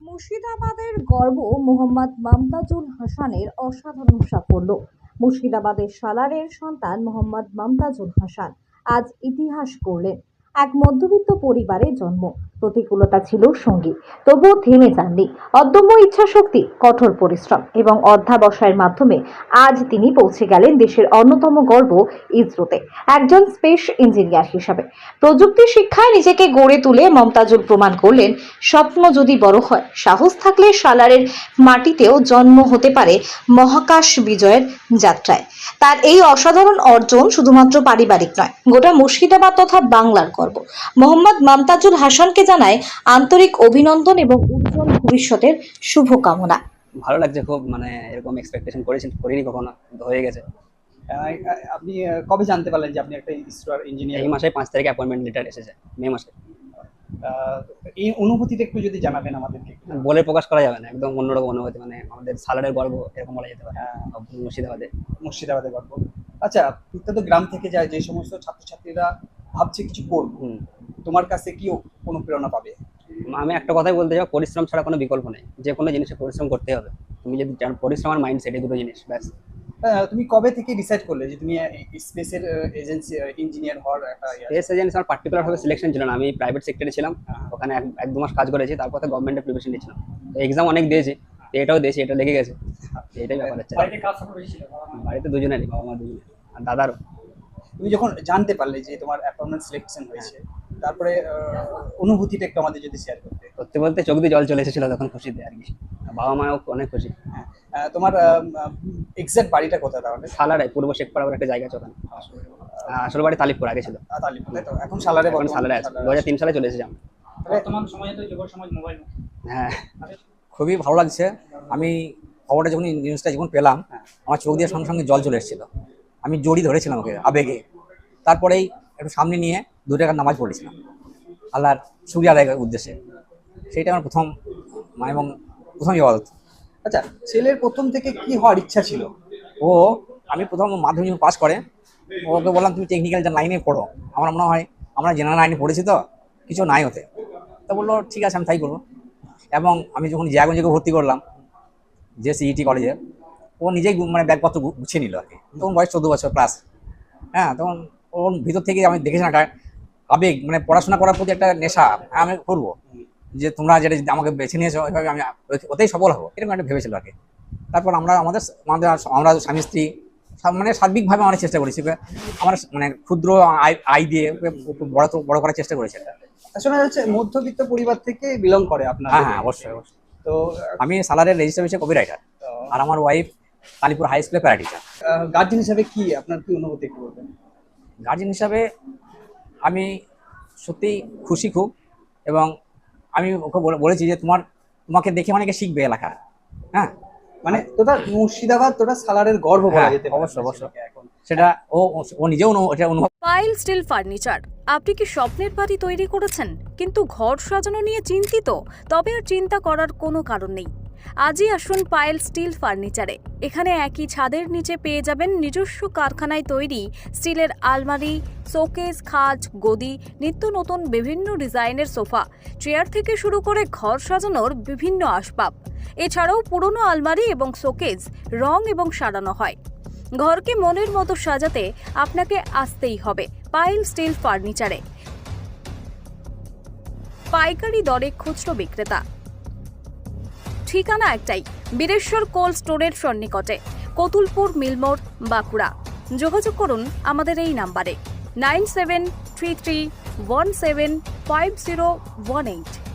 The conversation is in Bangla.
মুর্শিদাবাদের গর্ব মোহাম্মদ মমতাজুল হাসানের অসাধারণ সাফল্য। মুর্শিদাবাদের সালারের সন্তান মোহাম্মদ মমতাজুল হাসান আজ ইতিহাস গড়লেন। এক মধ্যবিত্ত পরিবারে জন্ম, প্রতিকূলতা ছিল সঙ্গী, তবুও থেমে যাননি। অদম্য ইচ্ছাশক্তি, কঠোর পরিশ্রম এবং অধ্যাবসায়ের মাধ্যমে আজ তিনি পৌঁছে গেলেন দেশের অন্যতম গর্ব ইসরোতে একজন স্পেস ইঞ্জিনিয়ার হিসাবে। প্রযুক্তি শিক্ষায় নিজেকে গড়ে তুলে মমতাজুল প্রমাণ করলেন, স্বপ্ন যদি বড় হয়, সাহস থাকলে সালারের মাটিতেও জন্ম হতে পারে মহাকাশ বিজয়ের যাত্রায়। তার এই অসাধারণ অর্জন শুধুমাত্র পারিবারিক নয়, গোটা মুর্শিদাবাদ তথা বাংলার গর্ব। মোহাম্মদ মমতাজুল হাসানকে জানায় আন্তরিক অভিনন্দন এবং উজ্জ্বল ভবিষ্যতের শুভকামনা। ভালো লাগছে খুব, এরকম এক্সপেকটেশন করিনি কখনো, কিন্তু হয়ে গেছে। আপনি কবে জানতে পারলেন যে আপনি একটা ইসরোর ইঞ্জিনিয়ার? এই মাসে 5 তারিখে অ্যাপয়েন্টমেন্ট লেটার এসেছে, মে মাসে। এই অনুভূতিটা একটু যদি জানাবেন আমাদেরকে। বলে প্রকাশ করা যাবে না, একদম অন্যরকম অনুভূতি। আমাদের সালারের গর্ব এরকম বলা যেতে পারে। মুর্শিদাবাদের গর্ব। আচ্ছা, প্রত্যেক গ্রাম থেকে যায় যে সমস্ত ছাত্রছাত্রীরা ভাবছে কিছু করবো, তোমার কাছে কি অনুপ্রেরণা পাবে? আমি একটা কথাই বলতে চাই, পরিশ্রম ছাড়া কোনো বিকল্প নেই। যে কোনো জিনিসে পরিশ্রম করতে হবে। তুমি যদি পরিশ্রম আর মাইন্ডসেট, এই দুটো জিনিস ব্যাস। তুমি কবে থেকে ডিসাইড করলে যে তুমি স্পেসের এজেন্সি ইঞ্জিনিয়ার হওয়ার একটা? স্পেস এজেন্সি আমার পার্টিকুলার ভাবে সিলেকশন ছিল না। আমি প্রাইভেট সেক্টরে ছিলাম, ওখানে 1-2 মাস কাজ করেছি, তারপর তো গভর্নমেন্টের প্রিপারেশন নিয়েছিলাম। এক্সাম অনেক দিয়েছি, এটাও দিয়েছি, এটা লেগে গেছে। এটাই ব্যাপার হচ্ছে। বাড়িতে দুজনেরই, বাবা মা দুজনের, আর দাদারও। তুমি যখন জানতে পারলে যে তোমার অ্যাপয়েন্টমেন্ট সিলেকশন হয়েছে, তারপরে অনুভূতিটা একটু আমাদের যদি শেয়ার করতে। সত্যি বলতে চোখ দিয়ে জল চলে এসেছিল তখন খুশিতে আর কি। বাবা মাও অনেক খুশি। তোমার এক্সাক্ট বাড়িটা কোথায় তাহলে? সালারে, পূর্ব শেখপাড়া বলে একটা জায়গা আছে ওখানে। আসল বাড়ি তালিপুর, আগে ছিল তালিপুর, তাই তো? এখন সালারে? এখন সালারে আছে। 2003 সালে চলে এসেছি আমরা। বর্তমান সময়ে তো যুব সমাজ মোবাইল। হ্যাঁ, খুবই ভালো লাগছে। আমি খবরটা যখন নিউজটা যখন পেলাম, আমার চোখ দিয়ে সঙ্গে সঙ্গে জল চলে এসেছিল। আমি জড়িয়ে ধরেছিলাম ওকে আবেগে। তারপরেই একটু সামনে নিয়ে 2 টাকার নামাজ পড়েছিলাম আল্লাহর শুকরিয়া আদায়ের উদ্দেশ্যে। সেইটা আমার প্রথম এবং প্রথম ইবাদত। আচ্ছা, ছেলের প্রথম থেকে কি হওয়ার ইচ্ছা ছিল? আমি প্রথম মাধ্যমিক পাস করে ওকে বললাম তুমি টেকনিক্যাল লাইনে পড়ো, আমার মনে হয় আমরা জেনারেল লাইনে পড়েছি তো কিছু নাই হতে। তা বললো ঠিক আছে, আমি তাই করবো। এবং আমি যখন জিয়াগঞ্জকে ভর্তি করলাম যে সিইটি কলেজে, ও নিজেই ব্যাগপত্র গুছিয়ে নিল আর কি। তখন বয়স 14 বছর প্লাস। হ্যাঁ, তখন ওর ভিতর থেকে আমি দেখেছিলাম একটা আবেগ, পড়াশোনা করার প্রতি একটা নেশা। আমি করবো, যে তোমরা যেটা আমাকে বেছে নিয়েছো ওইভাবে আমি ওতেই সফল হবো, এরকম একটা ভেবেছিল আর কি। তারপর আমরা আমরা স্বামী স্ত্রী সার্বিকভাবে অনেক চেষ্টা করেছি। আমরা ক্ষুদ্র আয় দিয়ে বড় করার চেষ্টা করেছি। শোনা যাচ্ছে মধ্যবিত্ত পরিবার থেকে বিলং করে আপনার? হ্যাঁ, অবশ্যই। তো আমি সালারের রেজিস্টার হয়েছে কপি রাইটার, আর আমার ওয়াইফ কালীপুর হাই স্কুলে প্যারা টিচার। গার্জেন হিসাবে কি আপনার কি অনুভূতি একটু বলবেন? গার্জেন হিসাবে আমি সত্যিই খুশি খুব। এবং আমি ওকে বলেছি যে তোমাকে দেখে অনেকে শিখবে এলাকা। হ্যাঁ, তোটা মুর্শিদাবাদ, তোটা সালারের গর্ব বলা যেতে পারে। অবশ্যই এখন সেটা ও নিজেও এটা অনুভব। পাইল স্টিল ফার্নিচার। আপনি কি স্বপ্নের বাড়ি তৈরি করেছেন কিন্তু ঘর সাজানো নিয়ে চিন্তিত? তবে আর চিন্তা করার কোনো কারণ নেই। আজই আসুন পাইল স্টিল ফার্নিচারে। এখানে একই ছাদের নিচে পেয়ে যাবেন নিজস্ব কারখানায় তৈরি স্টিলের আলমারি, শোকেস, খাট, গদি, নিত্য নতুন বিভিন্ন ডিজাইনের সোফা, চেয়ার থেকে শুরু করে ঘর সাজানোর বিভিন্ন আসবাব। এছাড়াও পুরনো আলমারি এবং শোকেস রং এবং সারানো হয়। ঘরকে মনের মতো সাজাতে আপনাকে আসতেই হবে পাইল স্টিল ফার্নিচারে। পাইকারি দরে খুচরো বিক্রেতা। ঠিকানা একটাই, বীরেশ্বর কোল্ড স্টোরের সন্নিকটে, কতুলপুর মিলমোড়, বাঁকুড়া। যোগাযোগ করুন আমাদের এই নাম্বারে 9733175018।